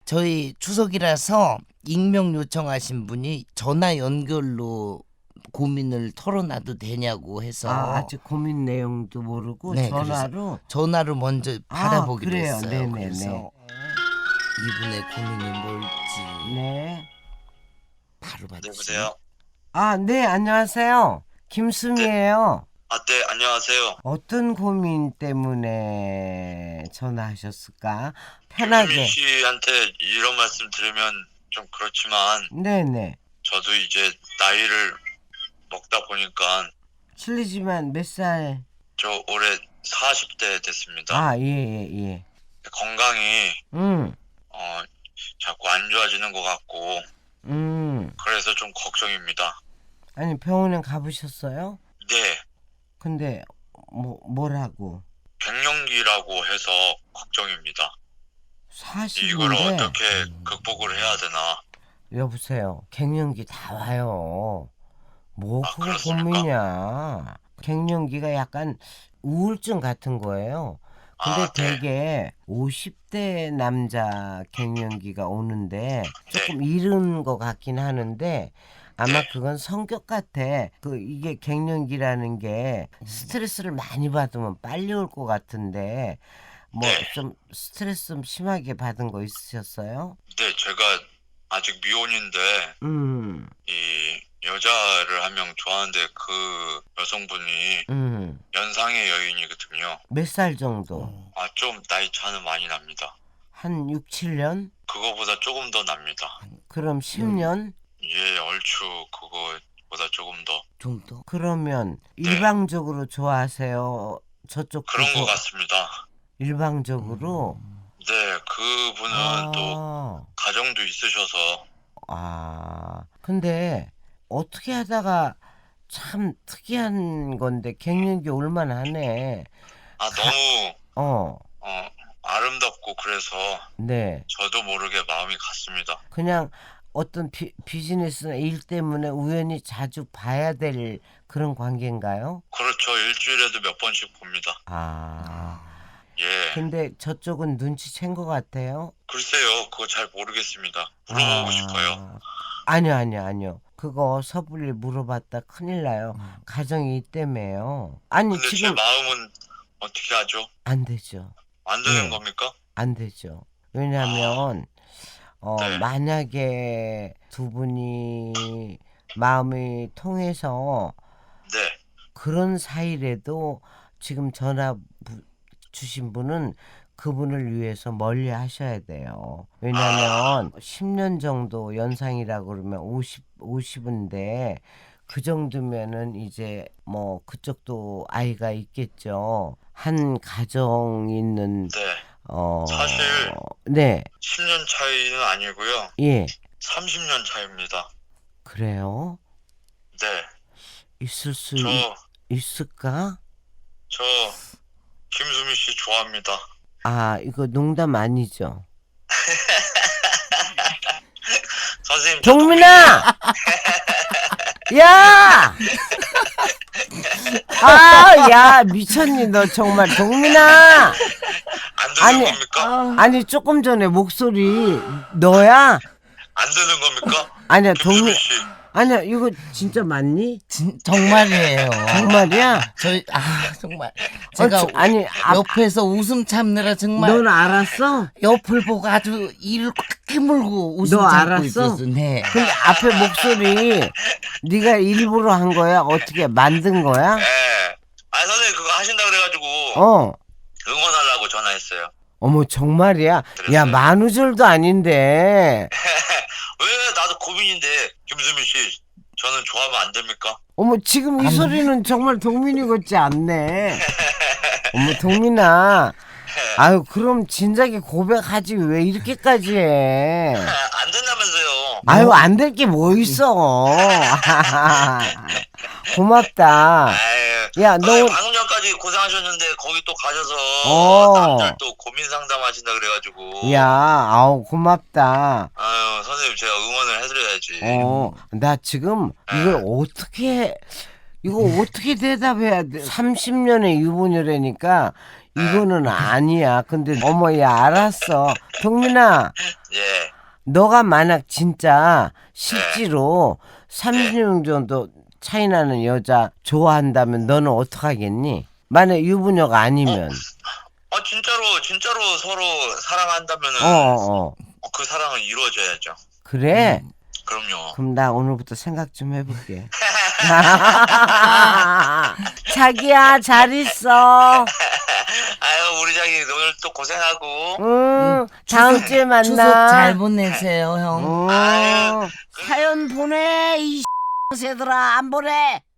저희 추석이라서 익명 요청하신 분이 전화 연결로 고민을 털어놔도 되냐고 해서 아직 고민 내용도 모르고 네, 전화로 먼저 받아보기로 그래요. 했어요. 네네네. 그래서 이분의 고민이 뭘지 네. 바로 받으시면. 여보세요? 네, 안녕하세요. 김수미예요. 네, 안녕하세요. 어떤 고민 때문에 전화하셨을까? 김수미 편하게. 씨한테 이런 말씀 들으면 좀 그렇지만 네네. 저도 이제 나이를 먹다 보니까 실례지만 몇 살? 저 올해 40대 됐습니다. 예. 건강이 자꾸 안 좋아지는 것 같고 그래서 좀 걱정입니다. 아니, 병원에 가보셨어요? 네, 근데 뭐라고? 갱년기라고 해서 걱정입니다. 40인데 이걸 어떻게 극복을 해야 되나? 여보세요. 갱년기 다 와요. 뭐 그거 그렇습니까? 고민이야. 갱년기가 약간 우울증 같은 거예요. 근데 네. 되게 50대 남자 갱년기가 오는데 조금 네. 이른 것 같긴 하는데 아마 네. 그건 성격 같아. 이게 갱년기라는 게 스트레스를 많이 받으면 빨리 올 것 같은데 네. 좀 스트레스 좀 심하게 받은 거 있으셨어요? 네, 제가 아직 미혼인데 이 여자를 한 명 좋아하는데 그 여성분이 연상의 여인이거든요. 몇 살 정도? 좀 나이 차는 많이 납니다. 한 6, 7년? 그거보다 조금 더 납니다. 그럼 10년? 예, 얼추 그거보다 조금 더. 좀 더. 그러면 일방적으로 좋아하세요? 저쪽 그런 것 같습니다. 일방적으로? 네, 그분은 또 가정도 있으셔서. 근데 어떻게 하다가 참 특이한 건데 갱년기 올만하네. 너무 아름답고 그래서 네. 저도 모르게 마음이 갔습니다. 그냥 어떤 비즈니스나 일 때문에 우연히 자주 봐야 될 그런 관계인가요? 그렇죠. 일주일에도 몇 번씩 봅니다. 예. 근데 저쪽은 눈치챈 것 같아요. 글쎄요, 그거 잘 모르겠습니다. 물어보고 싶어요. 아니요. 그거 섣불리 물어봤다 큰일 나요. 가정이 있다며요. 아니 근데 지금 제 마음은 어떻게 하죠? 안 되죠. 안 되는 겁니까? 안 되죠. 왜냐하면 네. 만약에 두 분이 마음이 통해서 네. 그런 사이라도 지금 전화 주신 분은 그분을 위해서 멀리 하셔야 돼요. 왜냐하면 10년 정도 연상이라고 그러면 50인데 그 정도면은 이제 뭐 그쪽도 아이가 있겠죠. 한 가정 있는 네. 사실 네. 10년 차이는 아니고요. 예. 30년 차입니다. 그래요? 네. 있을 수 있을까? 저 김수미 씨 좋아합니다. 이거 농담 아니죠? 선생님. 동민아! 야! 야, 미쳤니, 너 정말. 동민아! 안 되는 겁니까? 아니, 조금 전에 목소리, 너야? 안 되는 겁니까? 아니야, 김수미 씨. 아니야, 이거 진짜 맞니? 정말이에요. 정말이야? 정말 제가 아니, 옆에서 웃음 참느라 정말 넌 알았어? 옆을 보고 아주 이를 꽉 깨물고 웃음 너 참고 알았어? 있었어. 네. 근데 앞에 목소리 네가 일부러 한 거야? 어떻게 만든 거야? 네. 선생님 그거 하신다 그래가지고 응원하려고 전화했어요. 어머, 정말이야? 그랬어요. 야, 만우절도 아닌데. 왜 나도 고민인데 김수미 씨 저는 좋아하면 안 됩니까? 어머, 지금 이 소리는 정말 동민이 같지 않네. 어머, 동민아. 아유, 그럼 진작에 고백하지 왜 이렇게까지 해? 안 된다면서요. 아유, 안 될 게 뭐 있어. 고맙다. 야, 너 방금 전까지 고생하셨는데 거기 또 가셔서 남들 또 고민 상담하신다 그래가지고. 야, 아우, 고맙다. 아유, 선생님 제가 응원을 해드려야지. 나 지금 이거 어떻게 대답해야 돼? 30년의 유부녀라니까 이거는 아니야. 근데 어머 얘 알았어. 동민아 예. 너가 만약 진짜 실제로 30년 정도 차이 나는 여자 좋아한다면 너는 어떡하겠니? 만약 유부녀가 아니면 진짜로 서로 사랑한다면은 그 사랑은 이루어져야죠. 그래? 그럼요. 그럼 나 오늘부터 생각 좀 해볼게. 자기야 잘 있어. 아유 우리 자기 오늘 또 고생하고. 다음 주에 만나. 추석 잘 보내세요, 형. 사연 보내 이 새들아 안 보내.